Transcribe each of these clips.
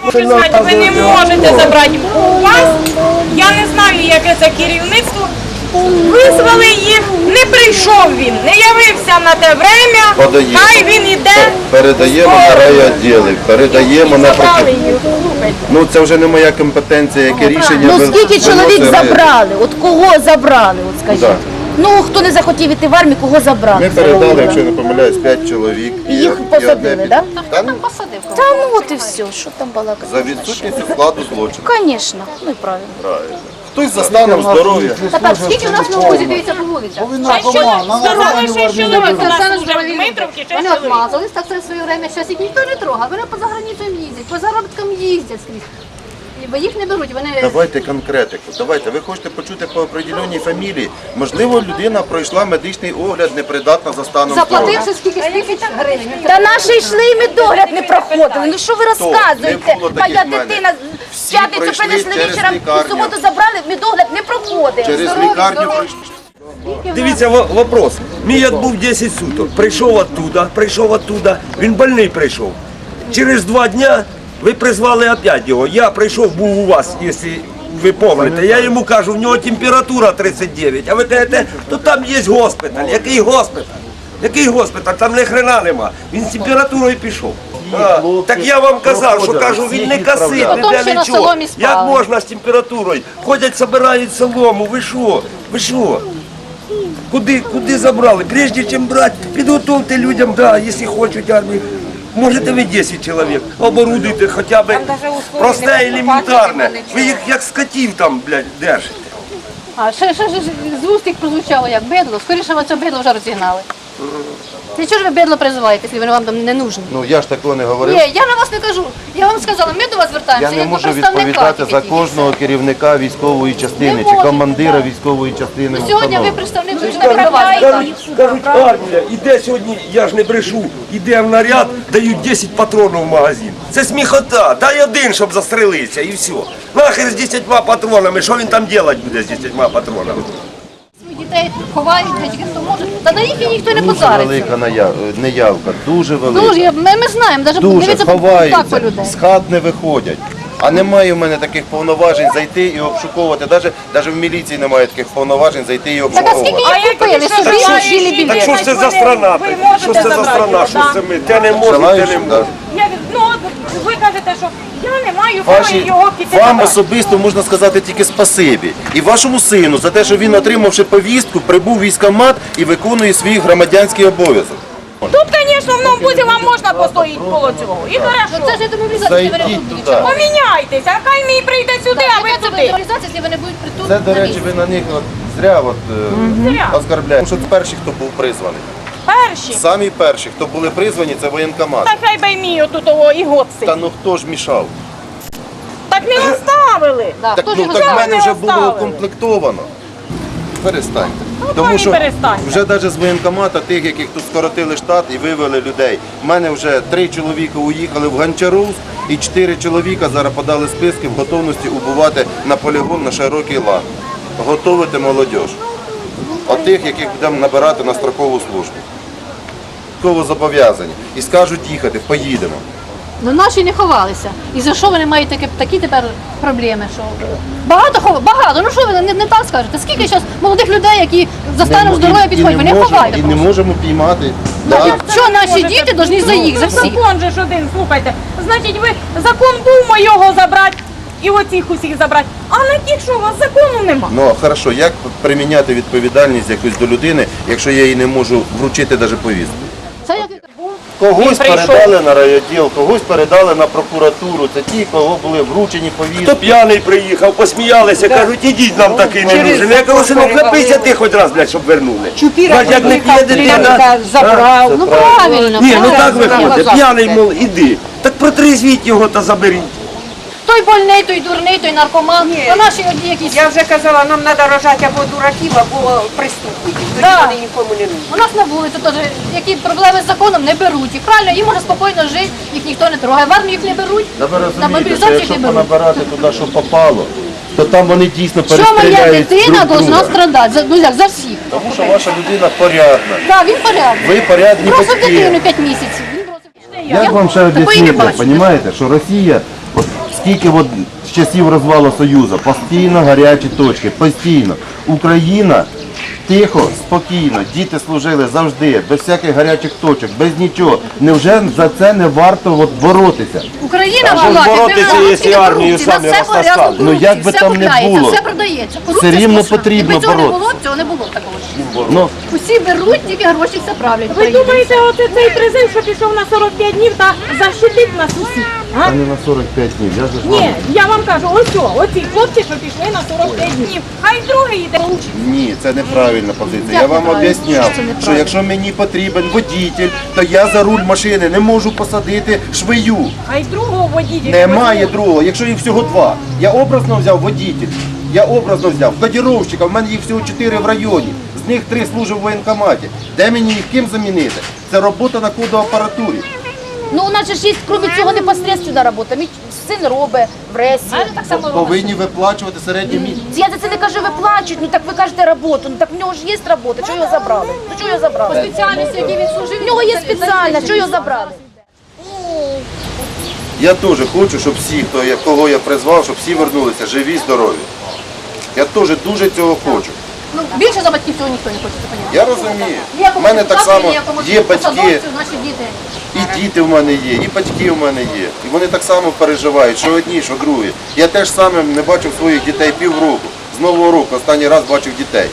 Хочу сказати, ви не можете забрати у вас, я не знаю, яке це керівництво, визвали їх, не прийшов він, не явився на те время, хай він іде. Передаємо на райвідділи, передаємо на Забрали їх, слухайте. Ну це вже не моя компетенція, яке рішення. Ну скільки чоловік забрали? От кого забрали? От скажіть. Да. Ну хто не захотів іти в армію, кого забрали? Ми передали, якщо я не помиляюсь, 5 чоловік. І їх посадили, так? Та, ну, Та ну от і все, що там балакати? за відсутністю складу злочину. Звісно, ну і правильно. Правильно. Хтось за станом здоров'я. Тепер скільки у нас на вулиці, дивіться по вулицях? Здоровий 6 чоловік, у нас Оксана вже в Здоров'я. Дмитровці 6 Вони чоловік. отмазались, так це в своє время, зараз їх ніхто не трогає, вони по заграницям їздять, по заробіткам їздять скрізь. Бо їх не беруть, вони... Давайте конкретику. Давайте. Ви хочете почути по определеній фамілії. Можливо, людина пройшла медичний огляд, непридатна за станом здоров'я. Заплативши скільки гривень. Та наші йшли і медогляд не проходили. Ну що ви розказуєте? Не було Моя таких в мене. дитина в Всі п'ятницю пройшли принесли через вечором, лікарню. в суботу забрали, медогляд не проходить. Через Здорові, лікарню здорові. пройшли. Дивіться, вопрос. Мій був 10 суток. Прийшов оттуда. Він больний прийшов. Через 2 дня ви призвали опять його. Я прийшов, був у вас, якщо ви пам'ятаєте. Я йому кажу, в нього температура 39. А ви кажете, то там є госпіталь. Який госпіталь? Який госпіталь? Там ні хрена нема. Він з температурою пішов. Так я вам казав, що кажу, він не косить, Потім не ще для на нічого. соломі спали. Як можна з температурою? Ходять, збирають солому. Ви що? Ви що? Куди забрали? Прежде чим брати, підготовте людям, да, якщо хочуть армію. Можете ви 10 чоловік, оборудуйте хоча б просте, елементарне. Ви їх як скотів там, блядь, держите. А ще з вуст їх прозвучало як бидло, скоріше ви це бидло вже розігнали. Для чого ж ви бидло призиваєте, якщо вони вам там не нужні? Ну я ж такого не говорив. Ні, я на вас не кажу. Я вам сказала, ми до вас Я звертаємося, не як до можу представника. відповідати за тільки. кожного керівника військової частини Не чи можете, командира так. військової частини. Ну, сьогодні ви установи. представник, ви ж не прибуваєте. Кажуть, армія, іде сьогодні, я ж не брешу, іде в наряд, дають 10 патронів в магазин. Це сміхота, дай один, щоб застрелитися і все. Нахер з 10 патронами, що він там робити буде з 10 патронами? Дітей ховають, десь хто може. Та на їх і ніхто не Дуже позариться. велика неявка, дуже велика. Дуже, ми знаємо, навіть Дуже дивіться так по ховаються, людей. з хат не виходять. А немає в мене таких повноважень зайти і обшуковувати. Навіть в міліції немає таких повноважень зайти і Так а скільки обшуковувати. їх купили собі жили Так білет? що ж це за страна? Ви Що можете це за забрати страна? його, Що да. це ми? Те не можемо, те не Желаючим, да. можемо. Ну, от ви кажете, що я не маю права його піти Вам забрати. особисто можна сказати тільки спасибі. І вашому сину за те, що він, отримавши повістку, прибув в військкомат і виконує свій громадянський обов'язок. Тут, звісно, в Новбузі вам можна постоїти коло цього. І Ну хорошо. це ж демобілізація, вони Зайдіть тут туди. Поміняйтеся, а хай мій прийде сюди, а ви Яка це туди. демобілізація, якщо вони будуть притулку Це, до на речі, місці? ви на них зря Зря. оскарбляєте. Тому що перші, хто був призваний. Перші. Самі перші, хто були призвані, це воєнкомат. Та хай би мій отут того і гопси. Та ну хто ж мішав? Так не оставили. Да, Так, хто ж ну, його так в знає? мене не вже було оставили. укомплектовано. Перестаньте. пані, Тому що перестаньте. вже навіть з воєнкомата, тих, яких тут скоротили штат і вивели людей. У мене вже 3 чоловіка уїхали в Гончаровськ і 4 чоловіка зараз подали списки в готовності убувати на полігон на широкий лан. Готовити молодіж. Отих, яких будемо набирати на строкову службу. Строково зобов'язані. І скажуть їхати, поїдемо. Ну наші не ховалися. І за що вони мають такі тепер проблеми? Що багато. Ну що ви не так скажете? Скільки зараз молодих людей, які за станом здоров'я підходять, вони ховають. І не можемо піймати. Ну, Да. що наші діти повинні за їх, за всіх? Закон же ж один, слухайте. Значить, ви закон був моєго забрати і оцих усіх забрати. А на тих, що у вас закону нема. Ну, а хорошо, як приміняти відповідальність якусь до людини, якщо я їй не можу вручити навіть повістку? Це як Когось Він прийшов. передали на райвідділ, когось передали на прокуратуру. Це ті, кого були вручені повістки. Хто п'яний приїхав, посміялися, кажуть, ідіть, нам такий не нужен. Я кажу, синок, напийся ти хоч раз, блядь, щоб вернули. Бач, як не п'є дитина. забрав. ну правильно. Ні, ну правильно. так виходить, п'яний, мол, іди. Так протрезвіть його та заберіть. Той больний, той дурний, той наркоман. А наші одні якісь. Я вже казала, нам треба рожати або дураків, або преступників. Тоді Да. вони нікому не нужні. У нас на вулиці теж які проблеми з законом не беруть. Їх правильно, їм можна спокійно жити, їх ніхто не трогає. В армію їх не беруть, Та ви на розумієте, що мобілізацію їх якщо не беруть. понабирати туди, що попало, то там вони дійсно Що моя перестріляють дитина друг повинна друга. страдати? Ну як, за всіх. Тому що ваша людина порядна. Так, він порядний. Ви порядні Бросив батьки. дитину 5 місяців. Він бросив. Як вам ще такої не об'яснити, бачу. розумієте, що Росія, от Скільки от з часів розвалу Союзу, постійно гарячі точки, постійно. Україна тихо, спокійно, діти служили завжди, без всяких гарячих точок, без нічого. Невже за це не варто от боротися? Україна А що була, ж боротися, якщо армію самі розтаскали? Ну, як би все там не купляється, було, все продається. Корупція все рівно сплошна. потрібно Якби цього не було, боротися. цього не було такого. Ну, Усі беруть, тільки гроші все правлять. Ви думаєте, оце цей призив, що пішов на 45 днів та защитить нас усіх? а А? не на 45 днів, я ж Ні, я вам кажу, ось о, оці хлопці, що пішли на 45 днів. Хай другий йде. Ні, це неправильна позиція. Як Я вам неправильно? об'ясняв, Що це неправильно? що якщо мені потрібен водитель, то я за руль машини не можу посадити швею. Хай другого водіть. Немає другого, якщо їх всього два. Я образно взяв водитель, я образно взяв кодировщика, в мене їх всього 4 в районі, з них 3 служать в воєнкоматі. Де мені їх ким замінити? Це робота на кодоапаратурі. Ну, у нас же ж є, крім цього, непосредственно робота. Мій син робить в ресі. Так само Повинні виплачувати середній місяць. Я за це не кажу, виплачують, ну так ви кажете роботу, ну так в нього ж є робота, чого його забрали? Ну чого його забрали? спеціальності, які він служив. В нього є спеціальна, чого його забрали? Я теж хочу, щоб всі, кого я призвав, щоб всі вернулися живі, здорові. Я теж дуже цього хочу. Ну, більше за батьків цього ніхто не хоче, це понятно. Я розумію. У Ніякому мене так депутату, само ніякому є батьки, посадовцю, наші діти. і діти в мене є, і батьки в мене є. І вони так само переживають, що одні, що другі. Я теж саме не бачив своїх дітей півроку. З Нового року останній раз бачив дітей.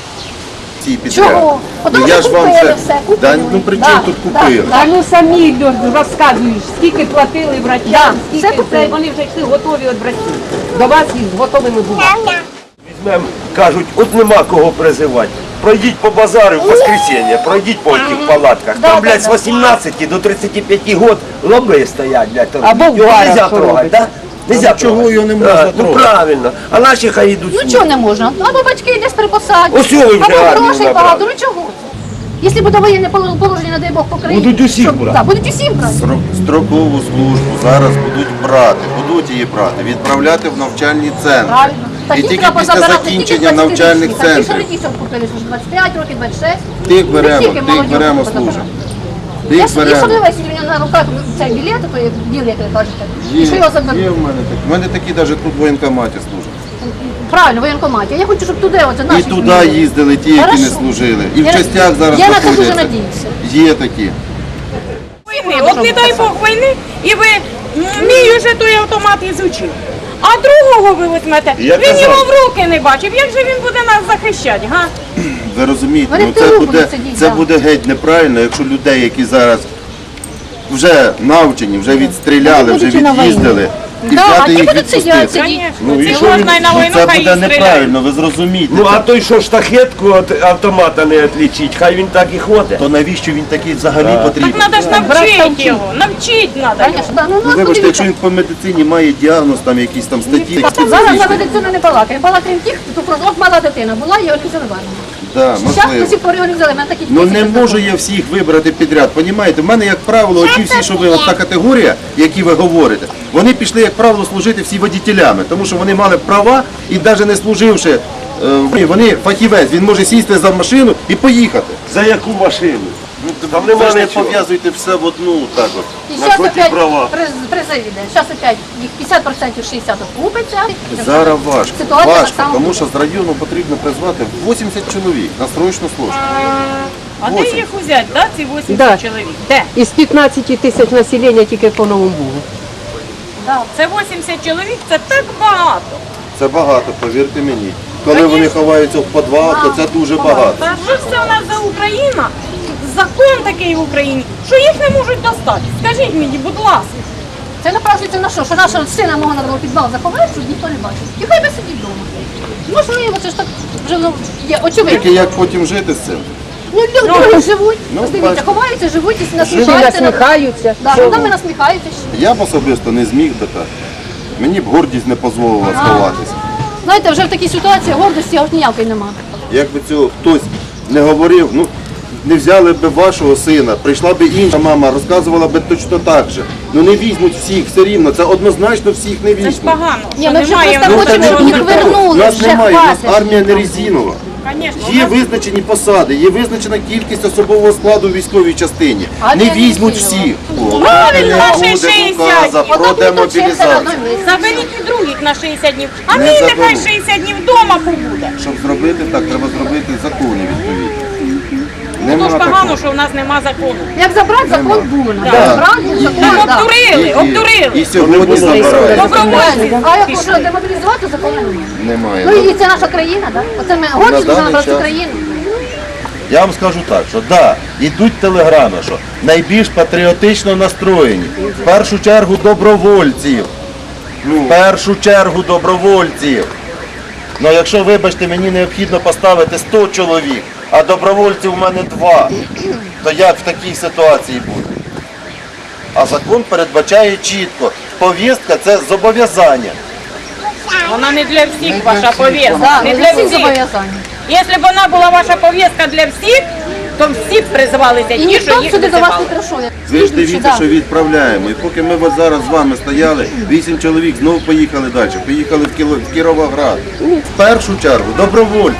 Ці підряд. Чого? Потому я що ж вам купили це. все, купили. Да, ну при чому тут купили? А ну самі розказуєш, скільки платили врачам, все скільки купили. це, вони вже йшли готові від врачів. До вас із готовими були. Візьмем, кажуть, от нема кого призивати. Пройдіть по базару в воскресенье, пройдіть по тих палатках. Там, блядь, з 18 до 35 год лоби стоять, блядь. там. Або в Його барах нельзя що трогати, робить? да? Нельзя чого трогати. його не можна Ну трогати? правильно. А наші хай йдуть. Ну служити. чого не можна? Або батьки десь припосадять, Ось його вже або армію грошей набрали. багато, ну чого? Якщо буде воєнне положення, не дай Бог, по країні. Будуть усіх щоб- брати. Так, будуть усіх брати. Строкову службу зараз будуть її брати, відправляти в навчальні центри. Правильно. І Таких тільки треба після позабирати, закінчення тільки 20 навчальних річних. Такі, що центрів родіть, купили, що ж 25 років, 26. тих Не беремо, тільки тих молодь беремо позабирати. служимо. Я Тих ж беремо. дивилася, у мене на руках цей білет, то є білет, як ви кажете. І що його заберуть? Є в мене такі. В мене такі навіть тут в воєнкоматі служать. Правильно, в воєнкоматі. Я хочу, щоб туди, оце І наші туди служили. їздили ті, які не Хорошо. служили. І в Я- частях зараз я на це дуже знаходяться. надіюся. Є такі. Війни. От не дай Бог війни, і ви мій уже той автомат ізучив. А другого ви візьмете, Я він казав. його в руки не бачив. Як же він буде нас захищати, га? Ви розумієте, Вони ну, в тилу будуть сидіти, це да. буде геть неправильно, якщо людей, які зараз вже навчені, вже відстріляли, вже від'їздили, і Да, взяти ті їх будуть сидіти, відпустити. сидіти. Ну, і Ці що він- можна й на ну, війну, це хай буде і стріляють. неправильно, ви зрозумієте. Ну а той, що штахетку від автомата не відлічить, хай він так і ходить. То навіщо він такий взагалі потрібен? Так треба ж навчити його, навчити треба. Конечно, да. Ну, Ну, нас вибачте, якщо подивіться. він по медицині має діагноз, там якісь там статті. Зараз за медицину не балакаємо. Балакаємо тих, хто просто от мала дитина була, його не взяли в армію. Да, Зараз до можливо. сих пор його не взяли. Мене такі Ну тисячі не можу я всіх вибрати підряд, понімаєте? В мене, як правило, оті всі, що ви, от та категорія, які ви говорите, вони пішли, як правило, служити всі водітелями, тому що вони мали права і навіть не служивши, вони фахівець, він може сісти за машину і поїхати. За яку машину? Там Ви нема ж не нічого. пов'язуйте все в одну так от. І На зараз що ті опять права? призив іде. Зараз опять їх 50%, 60% купиться. Зараз важко, Ситуація так важко, само тому буде. що з району потрібно призвати 80 чоловік на срочну службу. А де їх взяти, да, ці 80 Да. чоловік? Де? Із 15 тисяч населення тільки по Новому Бугу. Це 80 чоловік, це так багато. Це багато, повірте мені. Коли вони ховаються в підвал, то це дуже багато. Та що ж це у нас за Україна? Закон такий в Україні, що їх не можуть достати. Скажіть мені, будь ласка. Це напрашується на що? Що нашого сина мого надо було підвал заховати, щоб ніхто не бачив. І хай би сидів вдома. Можливо, це ж так вже ну, є очевидно. Тільки як потім жити з цим? Ну, люди живуть. Ну, Ось дивіться, бачите. ховаються, живуть і Всі насміхаються. насміхаються. Да, над нами насміхаються ще. Я б особисто не зміг би так. Мені б гордість не дозволила сховатися. Знаєте, вже в такій ситуації гордості аж ніякої немає. Якби цього хтось не говорив, ну не взяли б вашого сина, прийшла б інша мама, розказувала б точно так же. Ну не візьмуть всіх все рівно, це однозначно всіх не Це ж візьмуть. погано. Ні, що ми вже немає просто в нас хочемо, це щоб не їх буде того. вернули, Нас вже немає, у нас хватить. армія не резинова. Конечно, у Є нас- визначені посади, є визначена кількість особового складу у військовій частині. А Не не візьмуть візьмуть. всіх. Правильно, Не наші буде 60. указа про Отак демобілізацію. Заберіть і других на 60 днів. А Не мій нехай заберу. 60 днів вдома побуде. Щоб зробити так, треба зробити закони відповідні. Ну то ж Нема погано, такого. що в нас нема закону. Як забрати закон був. Да. Забрати закон, Нам так. обдурили, І обдурили. сьогодні забирають. Добровольці. А як можна демобілізувати, закону немає. Немає. Ну і це наша країна, так? Оце ми гордість даний за нашу час. країну. Я вам скажу так, що да, йдуть телеграми, що найбільш патріотично настроєні. В першу чергу добровольців. В першу чергу добровольців. Ну якщо, вибачте, мені необхідно поставити 100 чоловік, а добровольців у мене 2, то як в такій ситуації буде? А закон передбачає чітко. Повістка – це зобов'язання. Вона не для всіх ваша повістка. Так, Не ми для всі всіх. зобов'язані. Якщо б вона була ваша повістка для всіх, то всі б призвалися І ті, ніхто що б їх сюди до вас не призивали. прийшов. як Ви ж слідуючий, дивіться, да. що відправляємо. І поки ми от зараз з вами стояли, 8 чоловік знову поїхали далі. Поїхали в Кіровоград. В першу чергу добровольці.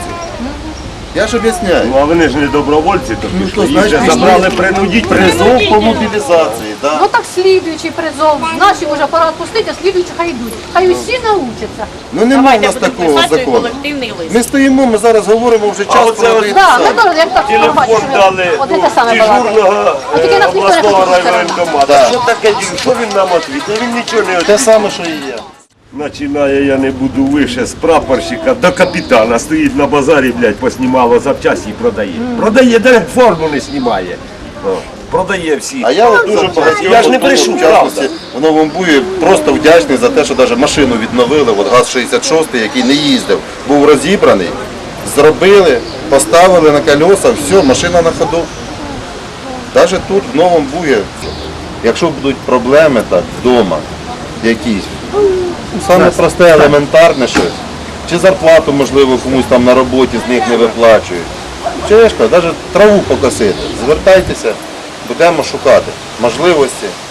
Я ж об'ясняю. Ну а вони ж не добровольці, то Ну, пішли. то, Їх же значить, забрали принудіть. Призов по мобілізації. Да? Ну так слідуючий призов. Наші вже пора відпустити, а слідуючі хай йдуть. Хай усі научаться. Ну немає у Давайте нас будемо такого писати закону. колективний лист. Ми стоїмо, ми зараз говоримо вже час оце про от- один Так, ми сам. теж як так Телефон бачите, дали от це саме балакає. дежурного А тільки нас ніхто не обласного хоче райвоєнкомату. Да. Що таке, що він нам відповідає? Він нічого не Те відповідає. саме, що і я. Починає, я не буду вище з прапорщика до капітана. Стоїть на базарі, блядь, поснімало запчасті і продає. Продає, де форму не знімає. О, продає всі. А я от дуже Я ж не брешу, правда. в Новому Буї просто вдячний за те, що навіть машину відновили, от ГАЗ-66, який не їздив, був розібраний, зробили, поставили на колеса, все, машина на ходу. Навіть тут, в Новому Буї, якщо будуть проблеми так, вдома, якісь, саме просте, елементарне щось, чи зарплату, можливо, комусь там на роботі з них не виплачують. Чи я ж кажу, навіть траву покосити, звертайтеся, будемо шукати можливості.